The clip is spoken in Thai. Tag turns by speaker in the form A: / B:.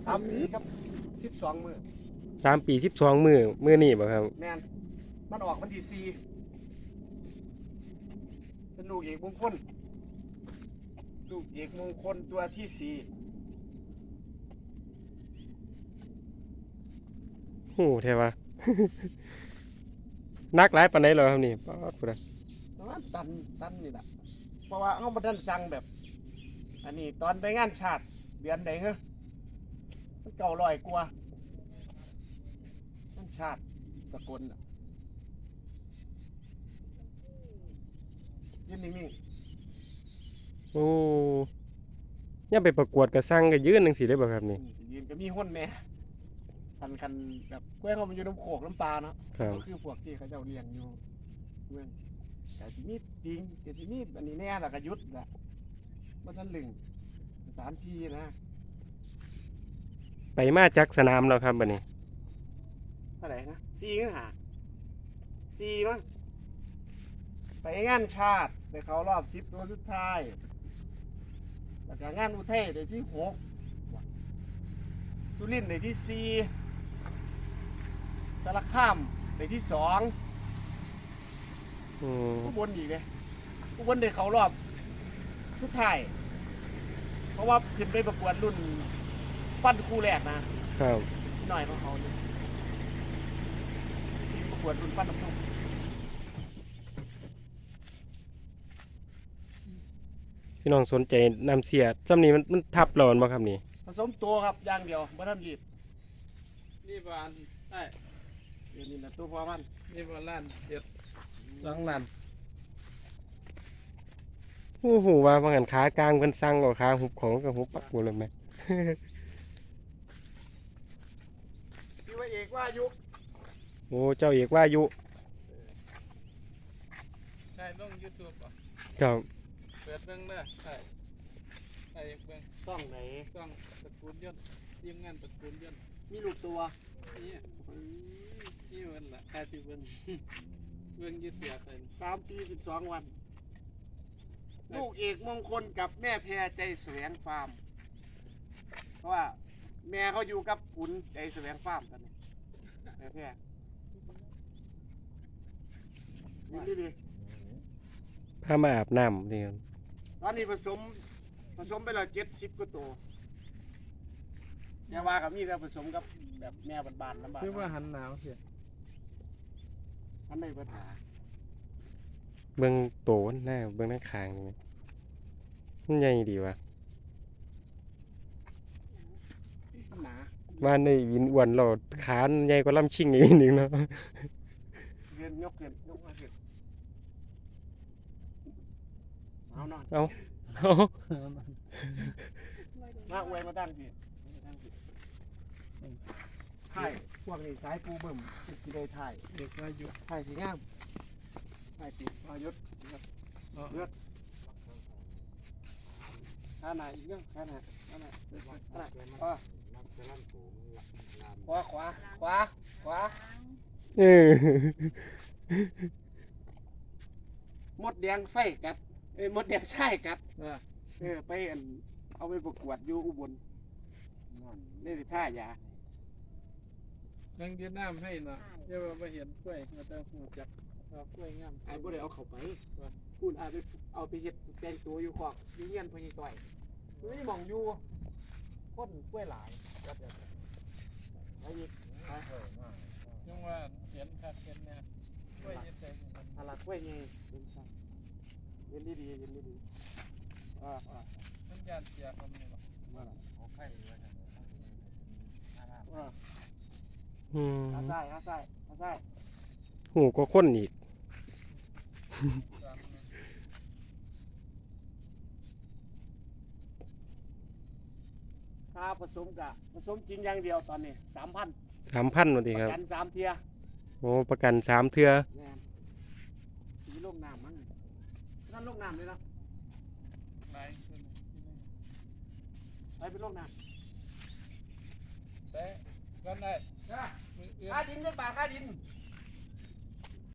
A: 3 ปีครับ12 มื้อ
B: 3 ปี12 มื้อนี่บ่ครับ
A: แม่นมันออกวันที่4เป็นลูกเอกมงคลตัวที่4
B: โอ้แท้ว่า นักหลายปานใดเหรอครับนี่ป๊าดพุ่นน่ะ
A: ประมาณตันนี่แหละเพราะว่าเฮาบ่ทันสั่งแบบ อันนี้ตอนไปงานชาติเดือนใดเหรอมัน900 กว่างานชาติสกลน่ะยืนนิ่ง
B: โอ้ยามไปประกวดก็สั่งก็ยืนจังซี่ได้บ่ครับนี่
A: ๆยืนก็มีห้นแม่คันแบบกล้วยเขามันอยู่น้ำโขกน้ำปลาเนาะ
B: ครับ
A: ก็คือพวกที่เขาเจ้าเลี้ยงอยู่เมืองแต่สิมีจริงแต่สิมีอันนี้แน่ละก็หยุดละมันทันลึงสถานที่นะ
B: ไปมาจากสนามแล้วครับบัดนี้
A: เท่าไหร่นะ4ขึ้นหา4มั้งไปงานชาติไปเขารอบ10 ตัวสุดท้ายแล้วก็งานอุทัยได้ที่6สุรินทร์ได้ที่4สารคามได้ที่2
B: อืม
A: อุบลอีกเลยอุบลได้เขารอบสุดท้ายเพราะว่าขึ้นไปประกวดรุ่นฟันคู่แรกนะครับ พี่หน่อยของเขาเนี่ยประกวดรุ่นฟันน้ำนม
B: พี่น้องสนใจน้ำเสียซ้ำนี้มันทับเราบ่ครับนี่
A: ผสมตัวครับอย่างเดียวบ่ทันรีด
C: นี่บานใช่
A: เดี๋ยวนี้นะตัวพ่อมัน
C: นี่บานล้านเจ็ด2 ล้าน
B: โอ้โหว่าบางอันขากลางเพิ่นสั่งก็ขาหุบของก็หุบปักหมดเลยแม่
A: ที่ว่าเอกว่าอายุ
B: โอ้เจ้าเอกว่าอายุ
C: ใช่ต้อง YouTube อ่ะ
B: ครับ
C: เปิดเบิ่งเด้อใช่ใช่เบิ่ง
A: ต้องไหน
C: ต้องตระกูลยนต์ทีมงานตระกูลยนต์
A: มีลูกตัว
C: นี่นี่เบิ่งล่ะค่าสิเบิ่ง เบิ่งยึดเสียกัน
A: 3 ปี 12 วัน ลูกเอกมงคลกับแม่แพรใจแสวงฟาร์มเพราะว่าแม่เขาอยู่กับขุนใจแสวงฟาร์มตอนนี้แม่แพรนี่ดี
B: พามาอาบน้ำนี่ครับ
A: ตอนนี้ผสมไปแล้ว70 กว่าตัวแต่ว่ากับมีแต่ผสมกับแบบแม่บานๆลำบาก
C: คือว่าหันหนาวเสีย
A: อันไหนปัญหา
B: เบิ่งโตนหน้าเบิ่งหน้าคางนี่มันใหญ่ดีว่ะ
A: หนา
B: ว่าในวินอ้วนเราขาใหญ่กว่าลำชิงอีกนิดนึงเนาะ
A: เรียนยกมาเห็นเอานอน
B: เอา
A: มาอวยมาตั้งพี่ถ่ายพวกนี้สายปูเบิ่มเป็นสีได้ถ่าย
C: เด็กว่าอยู่
A: ถ่ายสีงามถ่ายติดมายุดเลือดข้าหน้าอีกเรื่องข้าหน้าขวา
B: เออ
A: มดแดงไฟกัดมดแดงใช่กัดไปเอาไปประกวดอยู่อุบลนี่ท่ายา
C: ยังยืนน้ำให้เนาะเดี๋ยวว่าบ่เห็นกล้วยมาแต่หูจักว่ากล้วยงาม
A: ไอ้บ่ได้เอาเข้าไปพูดเอาไปเฮ็ดแต่งตัวอยู่ขอกอยู่เงียนพญต่อยไม่มองอยู่คนกล้วยหลายแล้วเดี๋ยวไอ้อีก
C: ยังว่าเห็นคักเห็นแน่กล้วยยึดแต่งมัน
A: อะไรกล้วยไงเย็นดีอ่า
C: มันยานเสียคนนี่บ่
B: อืม
A: อาใส่
B: หูก็ข้นอีก
C: ตามนั้น
A: ถ้าผสมจริงอย่างเดียวตอนนี้ 3,000
B: 3,000ว่าติครับ
A: กัน3 เที่ย
B: โอ้ประกัน3เทื่อ
A: แม่นสีลงน้ำมั้งนั่นลงน้ำเลยนะ
C: หลายคนที่นี่
A: ไปลงน้
C: แต่ก็ได้
A: ำ
C: มือเอื้อ
A: ค่าดินได้ป่าค่าดิน
C: ม